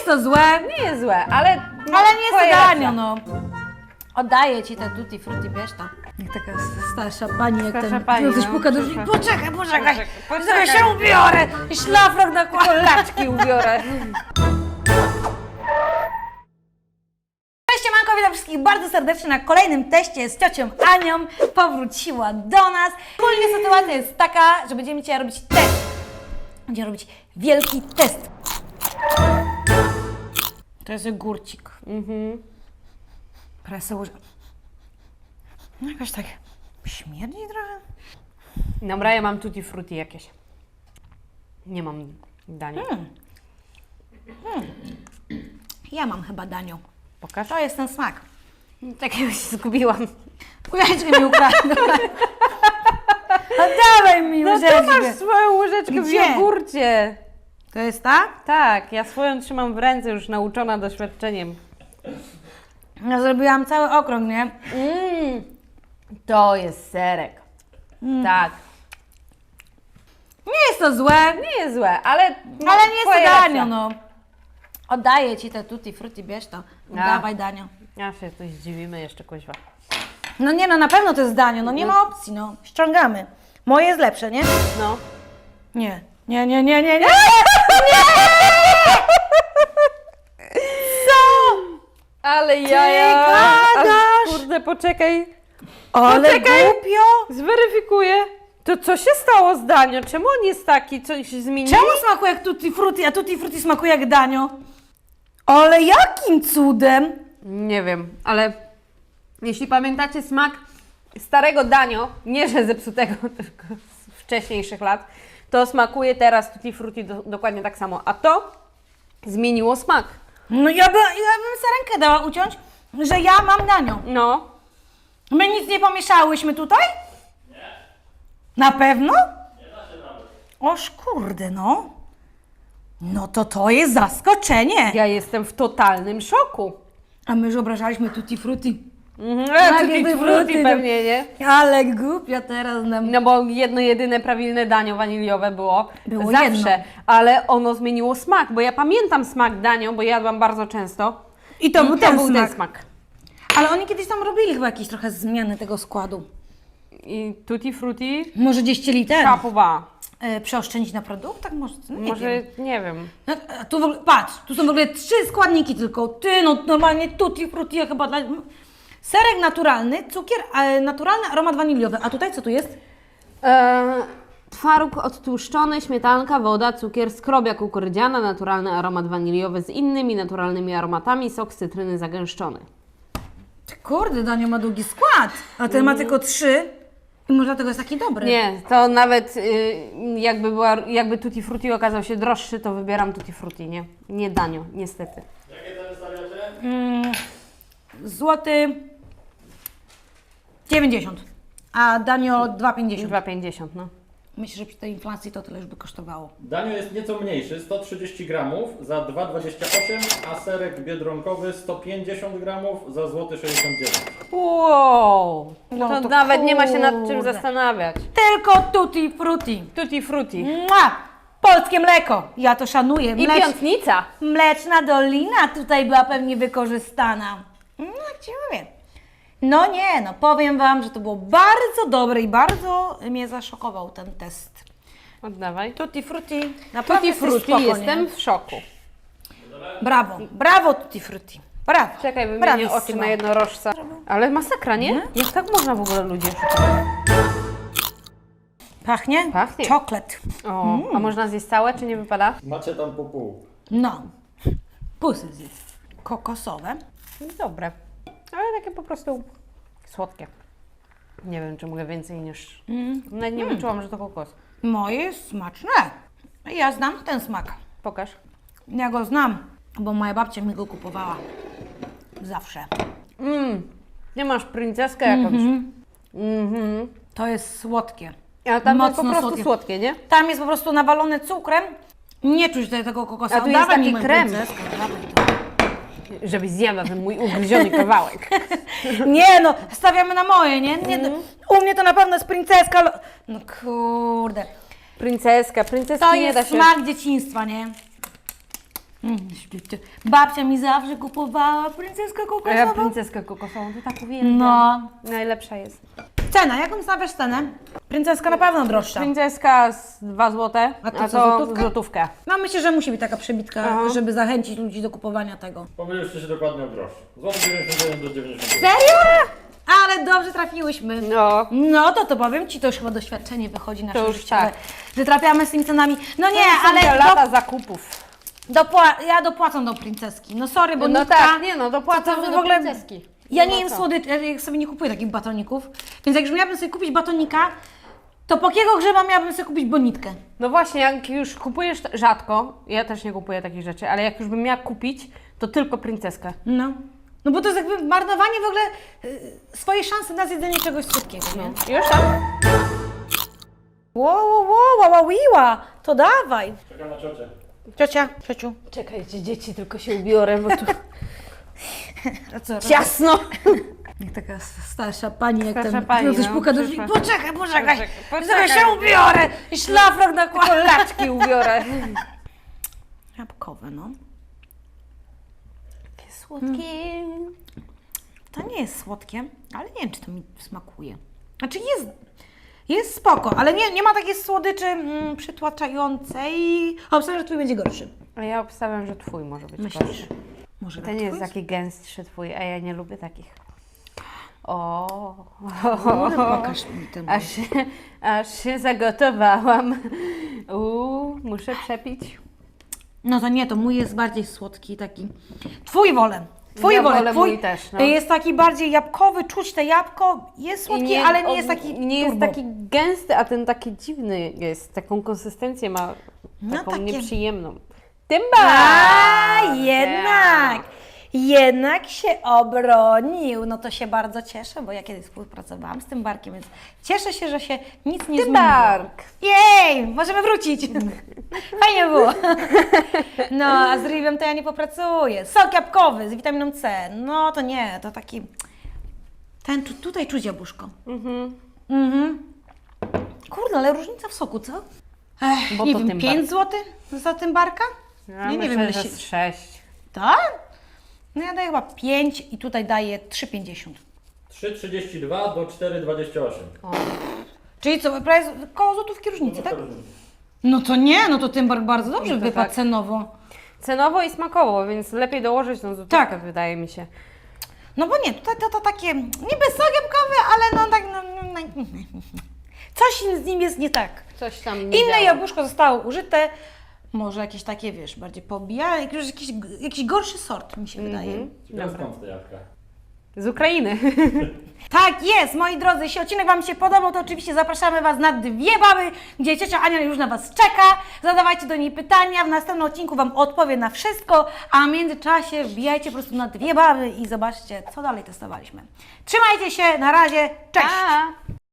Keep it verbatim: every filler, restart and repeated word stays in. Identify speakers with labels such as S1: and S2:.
S1: jest to złe,
S2: Nie jest złe, ale... No,
S1: ale nie jest to
S2: twoja
S1: danio,
S2: racja.
S1: no. Oddaję ci te tutti frutti, bierz to. Jak taka starsza pani, jak
S2: Starsza
S1: ten,
S2: pani,
S1: coś
S2: no,
S1: puka do drzwi.
S2: przyszła.
S1: Poczekaj, poczekaj,
S2: Poczekaj,
S1: poczekaj,
S2: poczekaj.
S1: się ubiorę i szlafrok nakładam.
S2: Laczki ubiorę.
S1: Cześć, siemanko, witam wszystkich bardzo serdecznie na kolejnym teście z ciocią Anią. Powróciła do nas. Ogólnie sytuacja jest taka, że będziemy dzisiaj robić test. Będziemy robić wielki test. To jest ogórcik.
S2: Mhm.
S1: Presę łyżę. No jakoś tak śmierdzi trochę.
S2: Dobra, ja mam tutti frutti jakieś. Nie mam dania.
S1: Hmm. Hmm. Ja mam chyba danio.
S2: Pokaż.
S1: To jest ten smak.
S2: Takiego się zgubiłam.
S1: Łyżeczkę mi ukradła. No dawaj mi
S2: No to
S1: łyżeczkę.
S2: masz swoją łyżeczkę w
S1: Gdzie?
S2: jogurcie.
S1: To jest ta?
S2: Tak, ja swoją trzymam w ręce, już nauczona doświadczeniem.
S1: Ja zrobiłam cały okrąg, nie?
S2: Mmm, to jest serek. Tak.
S1: Nie jest to złe,
S2: Nie jest złe, ale... no,
S1: ale nie jest to
S2: twoja
S1: danio,
S2: racja.
S1: no. Oddaję ci te tutti frutti, bierz to. Oddawaj danio.
S2: Ja się coś zdziwimy jeszcze, kuźwa.
S1: No nie, no na pewno to jest danio, no nie ma opcji, no. Ściągamy. Moje jest lepsze, nie?
S2: No.
S1: Nie. Nie, nie, nie, nie, nie.
S2: Ale jaja.
S1: gadasz?
S2: Aż, kurde, poczekaj.
S1: Ale
S2: Poczekaj.
S1: głupio.
S2: Zweryfikuję. To co się stało z Danio? Czemu on jest taki? Coś się zmieniło?
S1: Czemu smakuje jak tutti frutti, a tutti frutti smakuje jak danio? Ale jakim cudem?
S2: Nie wiem, ale jeśli pamiętacie smak starego Danio, nie że zepsutego, tylko z wcześniejszych lat, to smakuje teraz tutti frutti do, dokładnie tak samo. A to zmieniło smak.
S1: No ja, by, ja bym sobie rękę dała uciąć, że ja mam danio.
S2: No.
S1: My nic nie pomieszałyśmy tutaj? Nie. Na pewno? Nie da się nawet. Oż kurde, no. No to to jest zaskoczenie.
S2: Ja jestem w totalnym szoku.
S1: A my już obrażaliśmy tutti frutti.
S2: Mhm,
S1: Tak,
S2: tutti
S1: tutti
S2: frutti
S1: frutti,
S2: pewnie, nie?
S1: Ale głupia teraz nam.
S2: No bo jedno jedyne prawilne Danio waniliowe było,
S1: Było
S2: zawsze,
S1: jedno.
S2: ale ono zmieniło smak, bo ja pamiętam smak Danio, bo jadłam bardzo często.
S1: I to
S2: I
S1: był
S2: to
S1: ten
S2: był
S1: smak.
S2: ten smak.
S1: Ale oni kiedyś tam robili chyba jakieś trochę zmiany tego składu.
S2: I tutti frutti
S1: Może gdzieś chcieli ten
S2: kapowa.
S1: e, przeoszczędzić na produktach? Może, no nie
S2: Może,
S1: wiem.
S2: nie wiem.
S1: No, a tu w ogóle, patrz, tu są w ogóle trzy składniki tylko. Ty, no normalnie tutti frutti ja chyba dla... Serek naturalny, cukier, e, naturalny aromat waniliowy. A tutaj co tu jest?
S2: Eee, twaróg odtłuszczony, śmietanka, woda, cukier, skrobia kukurydziana, naturalny aromat waniliowy z innymi naturalnymi aromatami, sok z cytryny zagęszczony.
S1: Ty, kurde, Danio ma długi skład, a ten ma tylko trzy i może dlatego jest taki dobry.
S2: Nie, to nawet y, jakby, była, jakby tutti frutti okazał się droższy, to wybieram tutti frutti, nie? Nie Danio, niestety.
S1: Mm, złoty dziewięćdziesiąt, a Danio dwa pięćdziesiąt.
S2: dwa pięćdziesiąt, no.
S1: Myślę, że przy tej inflacji to tyle już by kosztowało.
S3: Danio jest nieco mniejszy, sto trzydzieści gramów za dwa dwadzieścia osiem, a serek biedronkowy sto pięćdziesiąt gramów za złoty sześćdziesiąt dziewięć.
S2: Wow,
S1: No
S2: to,
S1: to
S2: nawet nie ma się nad czym
S1: kurde.
S2: zastanawiać.
S1: Tylko tutti frutti.
S2: Tutti frutti.
S1: Mua! Polskie mleko. Ja to szanuję.
S2: I
S1: Mlecz...
S2: piątnica.
S1: Mleczna dolina tutaj była pewnie wykorzystana. No, jak ci mówię. No nie, no powiem Wam, że to było bardzo dobre i bardzo mnie zaszokował ten test.
S2: Oddawaj.
S1: Tutti frutti. Naprawdę
S2: Tutti
S1: jesteś
S2: frutti,
S1: spoko, nie?
S2: jestem w szoku.
S1: Brawo, brawo tutti frutti. Brawo.
S2: Czekaj, wymienię
S1: Brawissimo.
S2: oczy na jednorożca. Ale masakra, nie? Jak tak można w ogóle ludzi oszukiwać?
S1: Pachnie?
S2: Pachnie.
S1: Czoklet.
S2: O, a można zjeść całe, czy nie wypada?
S3: Macie tam po pół.
S1: No. Pusy zjedz. Kokosowe.
S2: Dobre. Ale takie po prostu słodkie. Nie wiem, czy mogę więcej niż... Nawet nie wyczułam, że to kokos.
S1: Moje jest smaczne. Ja znam ten smak.
S2: Pokaż.
S1: Ja go znam, bo moja babcia mi go kupowała. Zawsze.
S2: Mmm, nie masz princeskę jakąś. Mhm.
S1: To jest słodkie.
S2: A tam jest
S1: Mocno
S2: po prostu
S1: słodkie.
S2: słodkie, nie?
S1: Tam jest po prostu nawalone cukrem. Nie czuć tutaj tego kokosa.
S2: A tu jest
S1: Dawaj
S2: taki
S1: mi moją
S2: krem.
S1: princeskę, dawaj to.
S2: Żebyś zjadła ten mój ugryziony kawałek.
S1: Nie no, stawiamy na moje, nie? nie U mnie to na pewno jest princeska. ale- No kurde.
S2: Princeska, princeski
S1: To
S2: nie da
S1: jest
S2: się...
S1: smak dzieciństwa, nie? Mm, babcia mi zawsze kupowała princeskę
S2: A ja
S1: kokosową.
S2: princeskę kokosową, to tak uwielbiam.
S1: No.
S2: Najlepsza jest.
S1: Cena, jaką stawiasz cenę? Princeska na pewno droższa.
S2: Princeska z dwa złote,
S1: A to
S2: a
S1: co,
S2: to
S1: złotówkę?
S2: złotówkę.
S1: No myślę, że musi być taka przebitka,
S2: Aha.
S1: żeby zachęcić ludzi do kupowania tego.
S3: Pomyliliście się dokładnie o grosz. Złoty dziewięćdziesiąt jeden do dziewięćdziesiąt.
S1: Serio? Ale dobrze trafiłyśmy.
S2: No.
S1: No to to powiem Ci, to już chyba doświadczenie wychodzi nasze
S2: To już
S1: życiowe,
S2: tak.
S1: że trafiamy z tymi cenami. No nie,
S2: To są
S1: ale
S2: te lata zakupów.
S1: do, dopła- ja dopłacam do princeski. No sorry, bo
S2: No
S1: nitka,
S2: tak, nie no, dopłacam
S1: to- to
S2: do
S1: w ogóle-
S2: princeski.
S1: Ja
S2: No
S1: nie jem
S2: co?
S1: słodyczy, ja sobie nie kupuję takich batoników. Więc jak już miałabym sobie kupić batonika, to po jakiego grzyba miałabym sobie kupić bonitkę?
S2: No właśnie, jak już kupujesz t- rzadko, ja też nie kupuję takich rzeczy, ale jak już bym miała kupić, to tylko princeskę.
S1: No. No bo to jest jakby marnowanie w ogóle y, swojej szansy na zjedzenie czegoś słodkiego, nie?
S2: Już tam?
S1: Wow, wow, wow, wow, wow, to dawaj.
S3: Czekam na ciocię.
S1: Ciocia, ciociu.
S2: Czekajcie, dzieci, tylko się ubiorę, bo tu
S1: A co?
S2: ciasno.
S1: Jak taka starsza pani, jak
S2: Starsza
S1: tam
S2: pani,
S1: ktoś
S2: no,
S1: puka do drzwi.
S2: przyszła.
S1: Poczekaj, poczekaj,
S2: Poczekaj,
S1: poczekaj,
S2: poczekaj.
S1: się ubiorę i szlafrok nakładam.
S2: Laczki ubiorę.
S1: Jabłkowe, no.
S2: Takie słodkie.
S1: To nie jest słodkie, ale nie wiem, czy to mi smakuje. Znaczy jest, jest spoko, ale nie, nie ma takiej słodyczy mm, przytłaczającej. Obstawiam, że twój będzie gorszy.
S2: A ja obstawiam, że twój może być
S1: Myślisz?
S2: gorszy.
S1: Może
S2: To nie jest
S1: twój?
S2: taki gęstszy twój, a ja nie lubię takich. O,
S1: Kurde, pokaż mi ten.
S2: aż, aż się zagotowałam. Uuu, muszę przepić.
S1: No to nie, to mój jest bardziej słodki taki. Twój wolę. Twój
S2: Ja
S1: wolę.
S2: wolę
S1: Twój
S2: mój też, no.
S1: jest taki bardziej jabłkowy, czuć te jabłko, jest słodki, ale nie
S2: on
S1: jest taki
S2: Nie jest
S1: turbo.
S2: taki gęsty, a ten taki dziwny jest. Taką konsystencję ma,
S1: No
S2: taką
S1: takie-
S2: nieprzyjemną. Tymba!
S1: A, jednak! Jednak się obronił. No to się bardzo cieszę, bo ja kiedyś współpracowałam z tym barkiem, więc cieszę się, że się nic nie zmieniło.
S2: Tymbark!
S1: Jej! Możemy wrócić! Fajnie było. No, a z rybem to ja nie popracuję. Sok jabłkowy z witaminą C. No to nie, to taki... Ten, tu- tutaj czuć jabłuszko.
S2: Mhm.
S1: Mhm. Kurde, ale różnica w soku, co? Ech,
S2: Bo
S1: nie
S2: to
S1: wiem,
S2: tymbark.
S1: pięć złotych za tymbarka?
S2: Ja
S1: nie, nie
S2: myślę,
S1: wiem, ile
S2: że
S1: się...
S2: z sześć.
S1: Tak? No ja daję chyba pięć i tutaj daję trzy pięćdziesiąt.
S3: trzy trzydzieści dwa do cztery dwadzieścia osiem.
S1: Czyli co, prawie z- koło złotówki różnicy, tak? No to nie, no to tymbark bardzo dobrze
S2: No to
S1: wypadł
S2: tak.
S1: cenowo.
S2: Cenowo i smakowo, więc lepiej dołożyć tą złotówkę,
S1: Tak.
S2: wydaje mi się.
S1: No bo nie, tutaj to, to takie niby sok jabłkowy, ale no tak, no, no, no, coś z nim jest nie tak.
S2: Coś tam nie
S1: Inne
S2: działa.
S1: jabłuszko zostało użyte, może jakieś takie, wiesz, bardziej pobijane, jakiś, jakiś, jakiś gorszy sort mi się wydaje.
S2: Mhm.
S3: Ciekawe
S2: Dobra.
S3: skąd te jabłka?
S2: Z Ukrainy.
S1: Tak jest, moi drodzy, jeśli odcinek Wam się podobał, to oczywiście zapraszamy Was na dwie baby, gdzie ciocia Ania już na Was czeka. Zadawajcie do niej pytania, w następnym odcinku Wam odpowie na wszystko, a w międzyczasie wbijajcie po prostu na dwie baby i zobaczcie, co dalej testowaliśmy. Trzymajcie się, na razie, cześć!
S2: Pa!